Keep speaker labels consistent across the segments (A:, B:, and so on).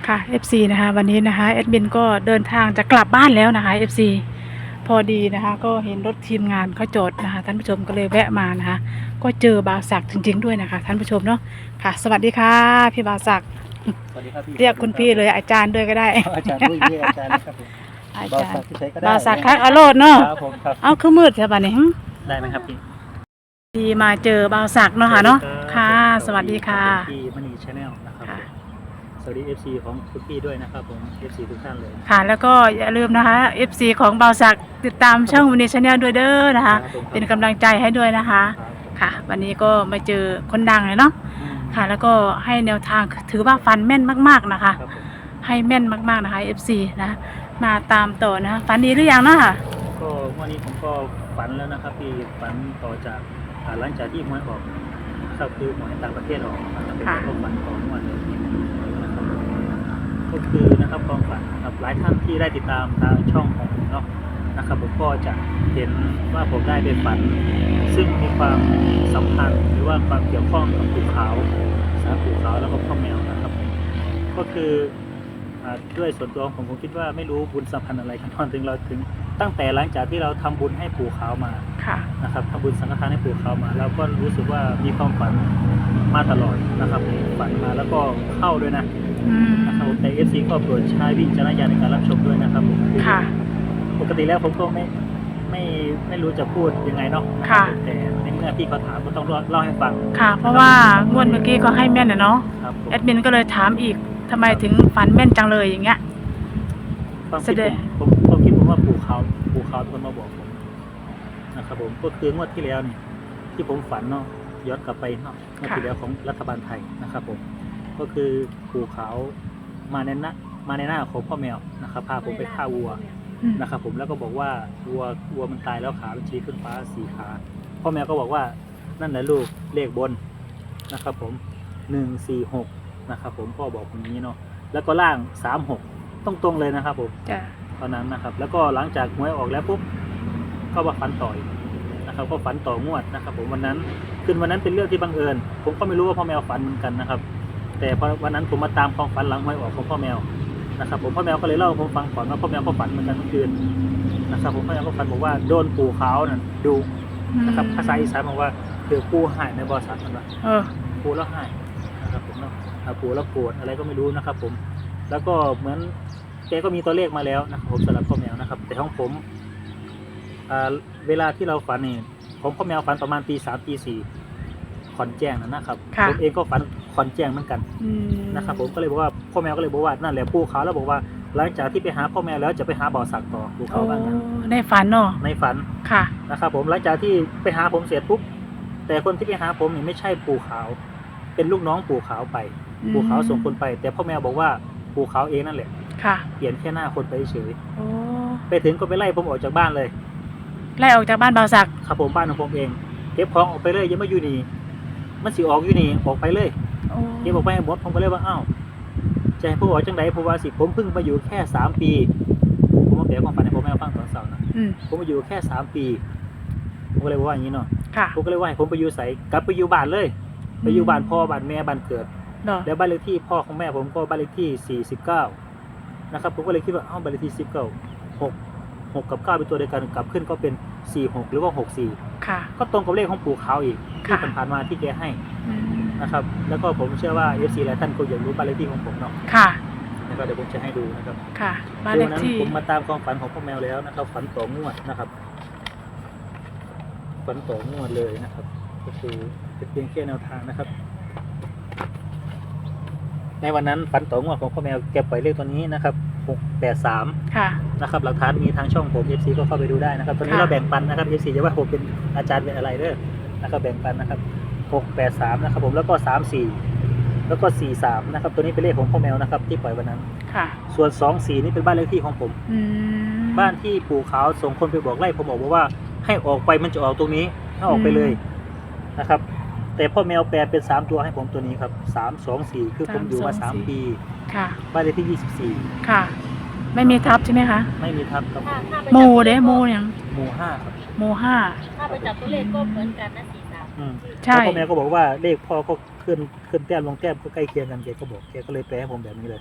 A: ค่ะ FC นะคะวันนี้นะคะแอดมินก็เดินทางจะกลับบ้านแล้วนะคะ FC พอดีนะคะก็เห็นรถทีมงานเขาจอดนะคะท่านผู้ชมก็เลยแวะมานะคะก็เจอบาวศักดิ์จริงๆด้วยนะคะท่านผู้ชมเนาะค่ะสวัสดีค่ะพี่บาวศักดิ์
B: สวัสดีครับพี่
A: เรียกคุณพี่เลยอาจารย์ด้วยก็ได้
B: อาจารย์ด้วยเรียกอาจารย์นะครับผม
A: อา
B: บาว
A: จาร
B: สัก
A: ย์
B: ที่ใช้ก็ได้
A: บาวศักดิ์คักอโรดเนาะ
B: ครับผมครับ
A: เอาคือมืดใช่ป่ะนี่
B: ได้ไหมครับพี่
A: ดีมาเจอบาวศักดิ์เนาะค่ะเนาะค่ะสวัสดีค่ะ
B: พี่มณีชาแนลนะครับ
A: ค่ะ
B: สวัสดี FC ของคุณพี่ด้วยนะครับผม FC ทุกท่านเลย
A: ค่ะแล้วก็อย่าลืมนะคะ FC ของบาวศักดิ์ติดตามช่องวันนี้ชาแนลด้วยเด้อนะคะ
B: ครับผม
A: เป็นกำลังใจให้ด้วยนะคะ
B: ครับผม
A: ค่ะ วันนี้ก็มาเจอคนดังเลยเนาะ
B: อืม
A: ค่ะ แล้วก็ให้แนวทางถือว่าฟันแม่นมากๆนะคะ
B: ครับผม
A: ให้แม่นมากๆนะคะ FC นะมาตามต่อนะคะฝันดีหรือยังเนาะค่ะ
B: ก็วันนี้ผมก็ฝันแล้วนะครับพี่ฝันต่อจากหลังจากที่หวยออกครับคือหวยต่างประเทศออกนะครับเป็น
A: ค่ะ
B: ก็ฝันต่อเมื่อวันเลยนะครับก็คือนะครับความฝันนะครับหลายท่านที่ได้ติดตามทางช่องของผมเนาะนะครับผมก็จะเห็นว่าผมได้ไปฝัน ซึ่งมีความสัมพันธ์หรือว่าความเกี่ยวข้องกับภูเขาสารภูเขาแล้วก็พ่อแมวนะครับผมก็คือด้วยส่วนตัวของผมคิดว่าไม่รู้บุญสัมพันธ์อะไรกันตอนถึงเราถึงตั้งแต่หลังจากที่เราทำบุญให้ปู่ขาวมา
A: ค่ะ
B: นะครับทำบุญสังฆทานให้ปู่ขาวมาเราก็รู้สึกว่ามีความฝันมาตลอดนะครับฝันมาแล้วก็เข้าด้วยนะ
A: อืม
B: นะครับแต่ FC ก็โปรดใช้วิจารณญาณในการรับชมด้วยนะครับ
A: ค่ะ
B: ปกติแล้วผมก็ไม่รู้จะพูดยังไงเนาะ
A: ค่ะ
B: แต่ในเมื่อพี่เขาถามก็ต้องเล่าให้ฟัง
A: ค่ะ เพราะว่างวดเมื่อกี้ก็ให้แม่นนะเนาะ
B: ครับผม
A: แอดมินก็เลยถามอีกทำไมถึงฝันแม่นจังเลยอย่างเงี้ย
B: ความ
A: แส
B: คิด
A: ดง
B: ผมคิดว่าปู่เขาเป็นคนมาบอกผมนะครับผมก็คืองวดที่แล้วนี่ที่ผมฝันเนาะย้อนกลับไปเนาะงวดที่แล้วของรัฐบาลไทยนะครับผมก็คือปู่เขามาในหน้าของพ่อแมวนะครับพาผมไปฆ่าวัว
A: อืม
B: นะครับผมแล้วก็บอกว่าวัวมันตายแล้วขามันชี้ขึ้นฟ้า4 ขาพ่อแมวก็บอกว่านั่นแหละลูกเลขบนนะครับผม146นะครับผมพ่อบอกอย่างนี้เนาะแล้วก็ล่าง36ตรงๆเลยนะครับผม
A: จ้ะ
B: ตอนนั้นนะครับแล้วก็หลังจากหวยออกแล้วปุ๊บก็มาฝันต่อยนะครับก็ฝันต่องวดนะครับผมวันนั้นคืนวันนั้นเป็นเรื่องที่บังเอิญผมก็ไม่รู้ว่าพ่อแมวฝันเหมือนกันนะครับแต่พอวันนั้นผมมาตามความฝันหลังหวยออกของพ่อแมวนะครับผมพ่อแมวก็เลยเล่าให้ผมฟังก่อนว่าพ่อแมวก็ฝันเหมือนกันเมื่อคืนนะครับผมพ่อแมวก็ฝันบอกว่าโดนปู่ขาวนั่นดูนะครับภาษาอีสานบอกว่าเดี๋ยวปู่หายในบริษัทมันว่า
A: เออ
B: ปู่แล้วหายนะครับผมเนาะปู่แล้วโกรธอะไรก็ไม่รู้นะครับผมแล้วก็เหมือนแกก็มีตัวเลขมาแล้วนะครับผมสำหรับพ่อแมวนะครับแต่ของผมเวลาที่เราฝันนี่ของพ่อแมวฝันประมาณตี 3 ตี 4ขอนแจ้งนะครับ
A: ค่ะ
B: ผมเองก็ฝันขอนแจ้งเหมือนกัน
A: อืม
B: นะครับผมก็เลยบอกว่าพ่อแมวก็เลยบอกว่านั่นแหละปู่เขาแล้วบอกว่าหลังจากที่ไปหาพ่อแมวแล้วจะไปหาบ่อสักต่อปู่
A: โอ้
B: เขาบ้างนั้น
A: ในฝันเนาะ
B: ในฝัน
A: ค่ะ
B: นะครับผมหลังจากที่ไปหาผมเสร็จปุ๊บแต่คนที่ไปหาผมนี่ไม่ใช่ปู่ขาว เป็นลูกน้องปู่ขาวไป ปู่ขาวส่งคนไป แต่พ่อแมวบอกว่าปู่ขาวเองนั่นแหละ
A: ค่ะ
B: เปลี่ยนแค่หน้าคนไปเฉย
A: โอ้
B: ไปถึงก็ไปไล่ผมออกจากบ้านเลย
A: ไล่ออกจากบ้านบาวศักดิ์
B: ครับผมบ้านของผมเองเก็บของออกไปเลยอยังไม่อยู่นี่มันสิออกอยู่นี่ออกไปเลย
A: โอ้
B: เก็บออกไปให้หมดผมก็เลยว่าอ้าวจะให้ผมออกจังไดผมว่าสิผมเพิ่งมาอยู่แค่3 ปีผมมาเปลี่ยนความฝันให้พ่อแม่ฟังตอนเสาร์นะ
A: อืม
B: ผมมาอยู่แค่3 ปีผมก็เลยว่าอย่างนี้เนาะ
A: ค่ะ
B: ผมก็เลยว่าให้ผมไปอยู่ใส่กลับไปอยู่บ้านเลย ไปอยู่บ้านพ่อบ้านแม่บ้านเกิด
A: เนาะ
B: แล้วบ้านเลขที่พ่อของแม่ผมก็บ้านเลขที่49นะครับผมก็เลยคิดว่าบ้านเลขที่19 6กับ9เป็นตัวเดียวกันกลับขึ้นก็เป็น46หรือว่า64
A: ค่ะ
B: ก็ตรงกับเลขของปู่เขาอีกที่
A: ค่ะ
B: ผ่านๆมาที่แกให้
A: อืม
B: นะครับแล้วก็ผมเชื่อว่า FC หลายท่านก็อยากรู้บ้านเลขที่ของผมเนาะ
A: ค่ะ
B: นะครับเดี๋ยวผมจะให้ดูนะครับ
A: ค่ะบ้านเลข
B: วันนั้น
A: ที่
B: ผมมาตามความฝันของพ่อแมวแล้วนะครับฝันต่องวดนะครับฝันต่องวดเลยนะครับก็คือเป็นเพียงแค่แนวทางนะครับ ในวันนั้นฝันต่องวดของพ่อแมวแกปล่อยเลขตัวนี้นะครับ683
A: ค่ะ
B: นะครับหลักฐานมีทางช่องผม FC ก็เข้าไปดูได้นะครับตอนนี้
A: ค่ะ
B: เราแบ่งปันนะครับ FC จะว่าผมเป็นอาจารย์เป็นอะไรเด้อนะครับแบ่งปันนะครับ683นะครับผมแล้วก็34แล้วก็43นะครับตัวนี้เป็นเลขของพ่อแมวนะครับที่ปล่อยวันนั้น
A: ค่ะ
B: ส่วน24นี่เป็นบ้านเลขที่ของผม
A: อืม
B: บ้านที่ปู่ขาวส่งคนไปบอกไล่ผมบอกว่าให้ออกไปมันจะออกตรงนี้ให้ออกไปเลยนะครับแต่พ่อแมวแปลเป็น3ตัวให้ผมตัวนี้ครับ324คือผมอยู่มา3 ปี
A: ค่ะ
B: บ้านเลขที่24
A: ค่ะ ไม่มีทับใช่ไหมคะ
B: ไม่มีทับครับผม
A: โมเด้โมยัง
B: หมู่5ครับ
A: โมห้า
C: ถ้าไปจับตัวเลขก็เหมือนกันนะ43
B: อืม
A: ใช่
B: แล้วพ่อแม่ก็บอกว่าเลขพ่อก็ขึ้นแต้มลงแต้มก็ใกล้เคียงกันแกก็บอกแกก็เลยแปลให้ผมแบบนี้เลย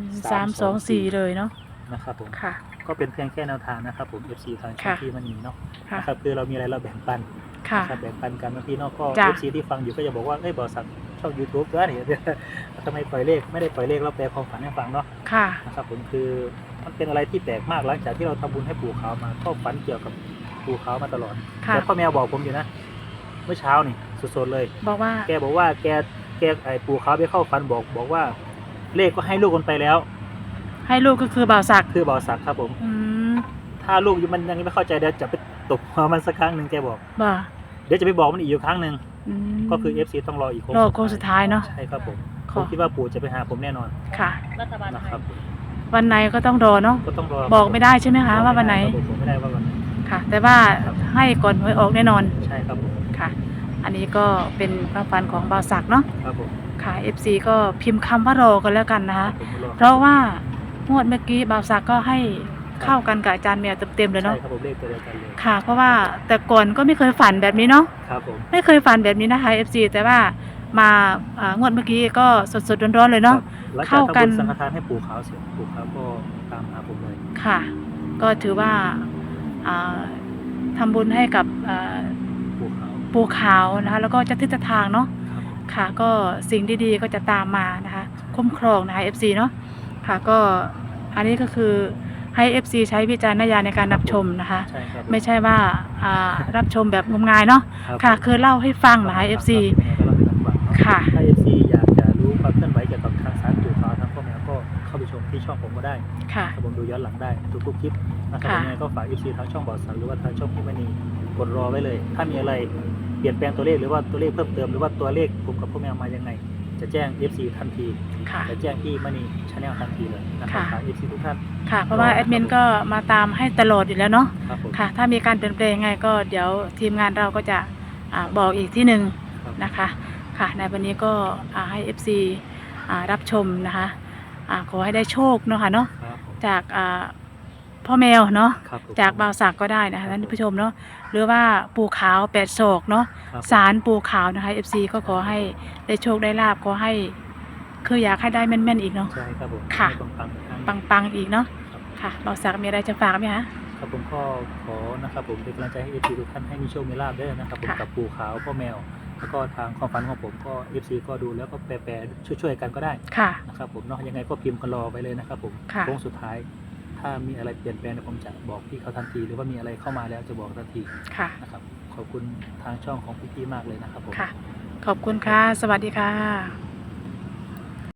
A: 324เลยเนาะ
B: นะครับผม
A: ค่ะ
B: ก็เป็นเพียงแค่แนวทางนะครับผม FC ทางช่อง
A: ค่ะ
B: ที่มันมีเนาะ
A: ค่ะ
B: นะครับคือเรามีอะไรเราแบ่งปัน
A: ค่ะ
B: นะครับแบ่งปันกันบางทีเนาะก็
A: จ้ะ
B: FC ที่ฟังอยู่ก็จะบอกว่าเอ้ยบอกสักช่อง YouTube ด้วยนี่ ทำไมปล่อยเลขไม่ได้ปล่อยเลขเราแปลความฝันให้ฟังเนาะ
A: ค่ะ
B: นะครับผมคือมันเป็นอะไรที่แปลกมากหลังจากที่เราทำบุญให้ปู่ขาวมาก็ฝันเกี่ยวกับปู่ขาวมาตลอด
A: ค่ะ
B: แล้วพ่อแมวบอกผมอยู่นะเมื่อเช้านี่สดๆเลย
A: บอกว่า
B: แกบอกว่าแกไอ้ปู่ขาวไปเข้าฝันบอกว่าเลขก็ให้ลูกมันไปแล้ว
A: ให้ลูกก็คือบ่าวศักดิ์
B: คือบ่าวสักครับผม
A: อืม
B: ถ้าลูกมันยังไม่เข้าใจเดี๋ยวจะไปตบหัวมันสักครั้งหนึ่งแกบอก
A: บ่า
B: เดี๋ยวจะไปบอกมันอีกอยู่ครั้งหนึ่ง
A: อืม
B: ก็คือ FC ต้องรออีก
A: รอโค้งสุดท้ายเนาะ
B: ใช่ครับผม
A: ข
B: ผ
A: อ
B: มคิดว่าปู่จะไปหาผมแน่นอน
A: ค่ะ
C: รัฐบาลไท
B: นะ
C: ย
B: ครับผม
A: วันไหนก็ต้องรอเนาะ
B: ก็ต้องรอ
A: บอกไม่ได้ใช่ไหมคะว่าวันไหน
B: ผมไม่ได้ว่าวันไหน
A: ค่ะ แต่ว่าให้ก่อนหวยออกแน่นอน
B: ใช่ครับผม
A: ค่ะ อันนี้ก็เป็นความฝันของบ่าวศักดิ์เนาะ
B: ครับผม
A: ค่ะ FC ก็พิมพ์คำว่ารอกันแล้วกันนะคะ
B: ผมรอ
A: เพราะว่างวดเมื่อกี้บ่าวศักดิ์ก็ให้เข้ากันกับอาจารย์แมวเต็มๆเลย
B: ใช่
A: เนาะ
B: ครับผมเลขตัวเดียวกันเลย
A: ค่ะ เพราะว่าแต่ก่อนก็ไม่เคยฝันแบบนี้เนาะ
B: ครับผม
A: ไม่เคยฝันแบบนี้นะคะ FC แต่ว่ามางวดเมื่อกี้ก็สดๆร้อนๆเลยเนาะ
B: หลังจาก
A: เข้ากัน
B: ทำบุญสังฆทานให้ปู่ขาวเสร็จปู่ขาวก็ตามหาผมเลย
A: ค่ะ ก็ถือว่าอ่าทำบุญให้กับ
B: ปู่ขาว
A: ปู่ขาวนะคะ แล้วก็เจ้าที่เจ้าทางเนาะ
B: ครับผม
A: ค่ะ ก็สิ่งดีๆก็จะตามมานะคะ คุ้มครองนะคะ FC เนาะค่ะ ก็อันนี้ก็คือให้ FC ใช้วิจารณญาณในการรับชมนะคะ
B: ใช่ครับ
A: ไม่ใช่ว่ารับชมแบบงมงายเนาะ
B: รับ
A: ค่ะ คือเล่าให้ฟังนะคะ FC ค่ะ
B: ถ้า FC อยากจะรู้ความเคลื่อนไหวเกี่ยวกับทางสารปู่ขาวทางพ่อแมวก็เข้าไปชมที่ช่องผมก็ได้
A: ค่ะ
B: ครับผมดูย้อนหลังได้ทุกๆคลิปนะครับ
A: ค่ะ
B: ยังไงก็ฝาก FC ทางช่องบอดสันหรือว่าทางช่องพี่มณีกดรอไว้เลย ถ้ามีอะไรเปลี่ยนแปลงตัวเลขหรือว่าตัวเลขเพิ่มเติมหรือว่าตัวเลขผมกับพ่อแมวมายังไง จะแจ้ง FC ทันที
A: ค่ะ
B: จะแจ้งที่มณีชาแนลทันทีเลยนะครับ
A: ค่ะ
B: ฝาก FC ทุกท่าน
A: ค่ะ เพราะว่าแอดมินก็มาตามให้ตลอดอยู่แล้วเนาะ
B: ครับผม
A: ค่ะ ถ้ามีการเปลี่ยนแปลงยังไงก็เดี๋ยวทีมงานเราก็จะบอกอีกที่หนึ่ง
B: ครับ
A: นะคะ ค่ะ ในวันนี้ก็ให้ FC รับชมนะคะขอให้ได้โชคเนาะค่ะเนาะ
B: ครับผม
A: จากพ่อแมวเนาะ
B: ครับผม
A: จากบ่าวศักดิ์ก็ได้นะคะท่านผู้ชมเนาะ หรือว่าปู่ขาวแปดโศกเนาะ
B: ครับ
A: ศาลปู่ขาวนะคะ FC ก็ขอให้ได้โชคได้ลาบขอให้คืออยากให้ได้แม่นๆอีกเนาะ
B: ใช่ครับผม
A: ค่ะ
B: ให้ปังๆ
A: ปังๆอีกเนาะ
B: ครับ
A: ค่ะบ่าวศักดิ์มีอะไรจะฝากไหมคะ
B: ครับผมก็ขอนะครับผมเป็นกำลังใจให้ FC ทุกท่านให้มีโชคมีลาภด้วยนะครับผม
A: ค่ะ
B: กับปู่ขาวพ่อแมว แล้วก็ทางความฝันของผมก็ FC ก็ดูแล้วก็แปลช่วยๆกันก็ได้
A: ค่ะ
B: นะครับผมเนาะยังไงก็พิมพ์กันรอไปเลยนะครับผม
A: ค่ะ
B: โค้งสุดท้าย ถ้ามีอะไรเปลี่ยนแปลงเดี๋ยวผมจะบอกพี่เขาทันที หรือว่ามีอะไรเข้ามาแล้วจะบอกทันที
A: ค่ะ
B: นะครับขอบคุณทางช่องของพี่ๆมากเลยนะครับผม
A: ค่ะ ขอบคุณค่ะ สวัสดีค่ะ